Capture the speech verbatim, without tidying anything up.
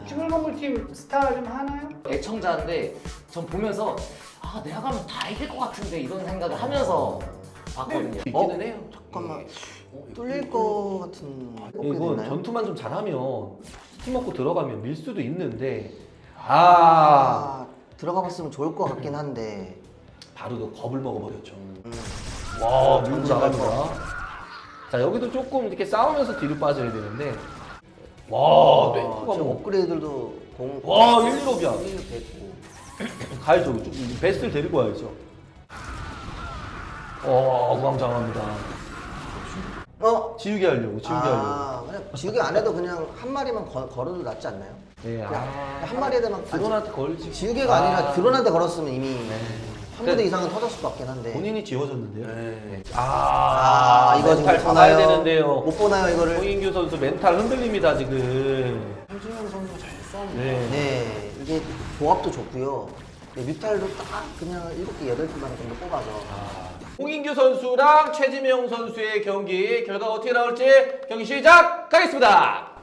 쭈글몽글팀 스타 좀 하나요? 애청자인데 전 보면서 아 내가 가면 다 이길 것 같은데 이런 생각을 하면서 봤거든요. 있기는 해요. 잠깐만. 어, 뚫릴 거 같은 꺾게 이건 됐나요? 전투만 좀 잘하면 스팀 먹고 들어가면 밀 수도 있는데 아 아, 들어가 봤으면 좋을 것 같긴 한데. 바로 그 겁을 먹어버렸죠. 음. 와 밀고 전진 갈 나갑니다. 자 여기도 조금 이렇게 싸우면서 뒤로 빠져야 되는데 와 뇌프가 지금 뭐 업그레이드도 공. 와, 일일업이야. 일 됐고. 가야죠. 좀 베스트를 데리고 와야죠. 어 우왕좌왕합니다. 어? 지우개 하려고 지우개 하려고. 아, 그냥 지우개 안 해도 그냥 한 마리만 거, 걸어도 낫지 않나요? 네, 그냥 아, 한 마리에다만 드론한테 걸지. 지우개가 아, 니라 드론한테 걸었으면 이미 한 부대 그- 이상은 터졌을 것 같긴 한데. 본인이 지워졌는데요. 네. 아, 아, 이거 지금 멘탈 못 잡아야 보나요? 되는데요. 못 보나요 이거를? 홍인규 선수 멘탈 흔들립니다 지금. 현진영 선수 잘 싸우네. 네. 네, 이게 조합도 좋고요. 네, 뮤탈도 딱 그냥 일곱 개, 여덟 개만 정도 뽑아서. 홍인규 선수랑 최지명 선수의 경기 결과 어떻게 나올지 경기 시작하겠습니다.